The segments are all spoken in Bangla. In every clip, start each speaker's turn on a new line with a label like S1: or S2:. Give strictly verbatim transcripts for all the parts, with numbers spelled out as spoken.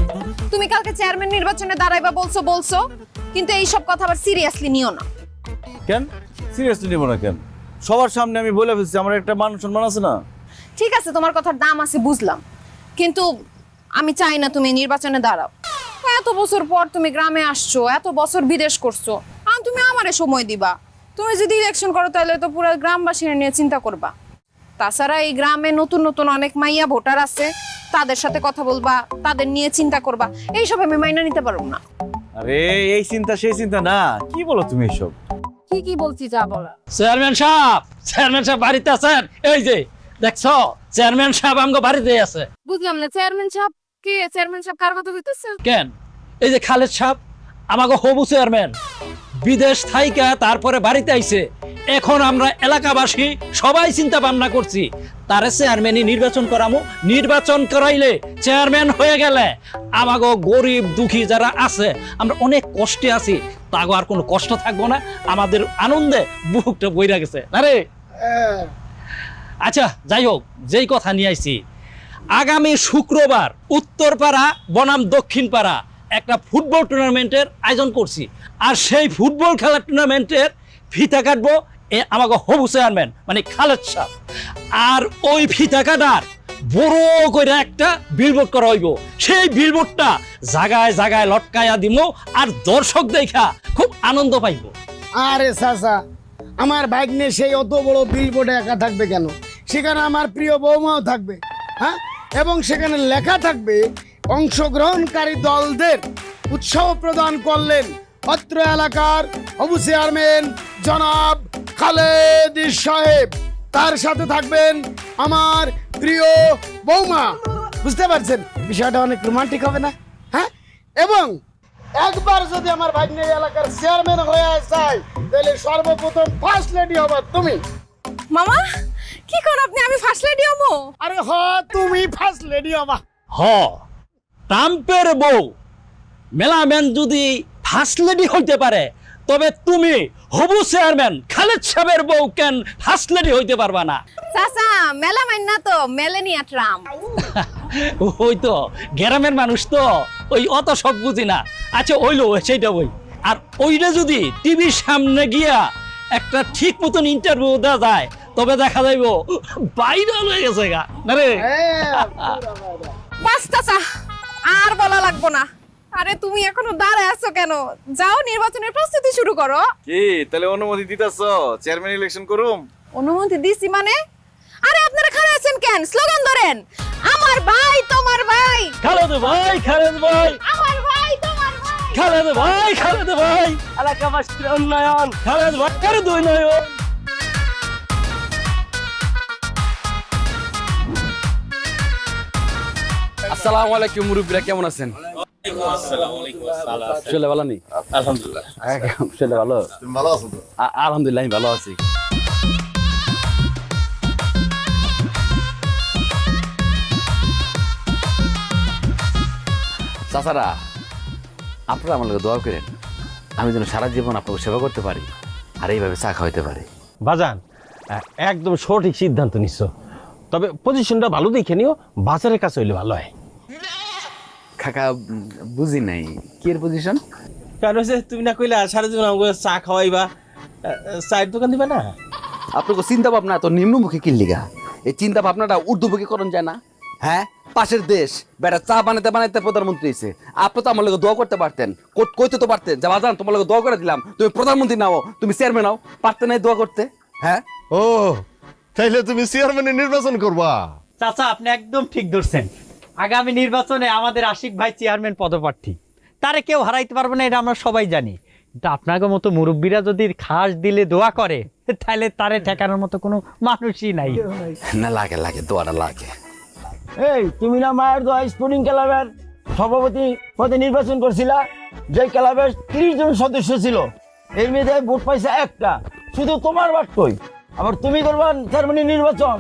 S1: তুমি কালকে চেয়ারম্যান নির্বাচনে দাঁড়াইবা বলছো বলছো, কিন্তু এই সব কথা আবার সিরিয়াসলি নিও না।
S2: কেন সিরিয়াসলি নিব না কেন? সবার সামনে আমি বলে ফেলছি, আমার একটা মান সম্মান আছে না?
S1: ঠিক আছে, তোমার কথার দাম আছে বুঝলাম, কিন্তু আমি চাই না তুমি নির্বাচনে দাঁড়াও। এত বছর পর তুমি গ্রামে আসছো, এত বছর বিদেশ করছো, আর তুমি আমারে সময় দিবা। তুমি যদি ইলেকশন করো তাহলে তো পুরো গ্রামবাসীরা নিয়ে চিন্তা করবা। তাছাড়া এই গ্রামে নতুন নতুন অনেক মাইয়া ভোটার আছে, তাদের সাথে কথা বলবা, তাদের নিয়ে চিন্তা করবা। এইসব আমি মাইনা নিতে পারবো না।
S2: আরে এই চিন্তা সেই চিন্তা না, কি বলো তুমি এসব?
S1: কি কি বলছি যা বলা।
S3: চেয়ারম্যান সাহেব, চেয়ারম্যান সাহেব বাড়িতে আছেন? এই যে দেখছো, চেয়ারম্যান সাহেব আমগো বাড়িতে আছে।
S1: বুঝলাম না, চেয়ারম্যান সাহেব কে? চেয়ারম্যান সাহেব কার কথা কইতেছে?
S3: কেন, এই যে খালেদ সাহেব, আমাকে হবু চেয়ারম্যান, বিদেশ থাইকা তারপরে বাড়িতে আইছে। এখন আমরা এলাকাবাসী সবাই চিন্তা ভাবনা করছি তারে চেয়ারম্যানই নির্বাচন করামু। নির্বাচন করাইলে চেয়ারম্যান হয়ে গেলে আমাগো গরিব দুঃখী যারা আছে, আমরা অনেক কষ্টে আছি, তাগো আর কোনো কষ্ট থাকবো না, আমাদের আনন্দে বুকটা বইরা গেছে। আরে আচ্ছা, যাই হোক, যেই কথা নিয়ে আইছি, আগামী শুক্রবার উত্তরপাড়া বনাম দক্ষিণপাড়া একটা ফুটবল টুর্নামেন্টের আয়োজন করছি। আর সেই ফুটবল খেলার টুর্নামেন্টের ফিতা কাটবো এ আমাকে হবু চেয়ারম্যান মানে খালেদ সাহেব। আর ওই ফিতা কাটার বড় করে একটা বিলবোর্ড করা হইব। সেই বিলবোর্ডটা জায়গায় জায়গায় লটকায়া দিব, আর দর্শক দেখা খুব আনন্দ পাইব।
S4: আরে চাচা, আমার ভাগ্নে সেই অত বড় বিলবোর্ডে একা থাকবে কেন? সেখানে আমার প্রিয় বৌমাও থাকবে, হ্যাঁ, এবং সেখানে লেখা থাকবে অংশগ্রহণকারী দলদের উৎসাহ প্রদান করলেন অত্র এলাকার হবু চেয়ারম্যান জনাব খালেদ সাহেব। তার সাথে থাকবেন আমার প্রিয় বৌমা। বুঝতে পারছেন বিষয়টা অনেক রোমান্টিক হবে না? হ্যাঁ, এবং একবার যদি আমার ভাগ্নে এলাকার চেয়ারম্যান হয়ে যায় তাহলে সর্বপ্রথম ফার্স্ট লেডি হবা তুমি।
S1: মামা কি কর আপনি? আমি ফার্স্ট লেডি হবো?
S4: আরে হ, তুমি ফার্স্ট লেডি হবা।
S3: হ, ট্রাম্পের বউ মেলাম্যান যদি ফার্স্ট লেডি হইতে পারে, তবে তুমি হবু চেয়ারম্যান খালেদ সাহেবের বউ কেন ফার্স্ট লেডি হইতে পারবা না?
S1: চাচা মেলা মাইন না তো, মেলেনিয়া ট্রাম্প।
S3: ওই তো গ্রামের মানুষ তো, ওই অত সব বুঝি না। আচ্ছা ওইলো সেইটা ওই, আর ওইটা যদি টিভির সামনে গিয়া একটা ঠিক মতন ইন্টারভিউ দেওয়া যায়, তবে দেখা যাইব ভাইরাল হয়ে গেছে গা। না রে?
S1: বাস চাচা, আর বলা লাগবো না। আরে তুমি এখনো দাঁড়ায় আছো কেন? যাও নির্বাচনের প্রস্তুতি শুরু করো।
S2: কি তাহলে অনুমতি দিতেছ চেয়ারম্যান ইলেকশন করুম?
S1: অনুমতি দিছি মানে? আরে আপনারা খাড়া আছেন কেন? স্লোগান ধরেন, আমার ভাই তোমার ভাই,
S3: খালেদ ভাই, খালেদ ভাই,
S1: আমার ভাই তোমার ভাই,
S3: খালেদ ভাই, খালেদ ভাই, এলাকাবাসীর উন্নয়ন, খালেদ ভাইয়ের দুই নয়ন।
S5: আসসালামু আলাইকুম মুরব্বীরা, কেমন আছেন? শরীর ভালো নেই?
S2: আলহামদুলিল্লাহ।
S5: শরীর ভালো?
S2: ভালো আছো তো?
S5: আ- আলহামদুলিল্লাহ আমি ভালো আছি। চাচারা, আপনারা আমার লোক দোয়া করেন, আমি যেন সারা জীবন আপনাকে সেবা করতে পারি আর এইভাবে চা খাওয়াইতে পারি।
S6: বাজান একদম সঠিক সিদ্ধান্ত নিচ্ছ, তবে পজিশনটা ভালো দেখে নিও, বাজারের কাছে হইলে ভালো হয়।
S5: কাকা উম, বুঝি নাই কি এর পজিশন?
S6: কারণ হচ্ছে তুমি না কইলা সারা জীবন আমাকে চা খাওয়াইবা, চায়ের দোকান দিবা না?
S5: আপনাকে চিন্তা ভাবনা এত নিম্নমুখী কি লিগা? এই চিন্তা ভাবনাটা ঊর্ধ্বমুখী করণ যায় না? হ্যাঁ, পাশের দেশ বেটা চা বানাতে বানাতে প্রধানমন্ত্রী হয়েছে, আপনি তো আমার লোক দোয়া করতে পারতেন, কই- কইতে তো পারতেন যে বাজান তোমার লোক দোয়া করে দিলাম, তুমি প্রধানমন্ত্রী নাও, তুমি চেয়ারম্যান নাও, পারতে নাই দোয়া করতে? হ্যাঁ,
S7: ও তাইলে তুমি চেয়ারম্যানের নির্বাচন করবা?
S8: চাচা আপনি একদম ঠিক ধরছেন। আগামী নির্বাচনে আমাদের আশিক ভাই চেয়ারম্যান পদপ্রার্থী, তারে কেউ হারাইতে পারবে না, এটা আমরা সবাই জানি। কিন্তু আপনাকে মতো মুরব্বীরা যদি খাস দিলে দোয়া করে, তাহলে তারে ঠেকানোর মতো কোনো মানুষই নাই।
S5: না লাগে লাগে দোয়াটা লাগে।
S6: এই তুমি না মায়ের দোয়া স্পোর্টিং ক্লাবের সভাপতি পদে নির্বাচন করছিলা, যে ক্লাবের ত্রিশ জন সদস্য ছিল, এই মেয়েদের ভোট পাইছে একটা, শুধু তোমার বাট কই, আবার তুমি করবা চেয়ারম্যান নির্বাচন?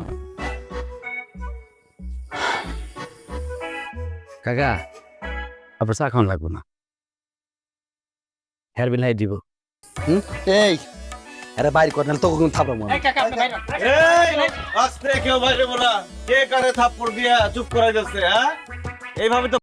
S5: কাকা আপনার চা খাওয়ান লাগবো না, হেয়ার বিল দিব। হুম, এই আরে বাইর কর, নাহলে তোকে কিন্তু থাপড়াবো আমি।
S2: আস্তে কেউ বাইরে বলা, কে কারে থাপ্পড় দিয়া চুপ করাই যাচ্ছে? হ্যাঁ, এইভাবে তো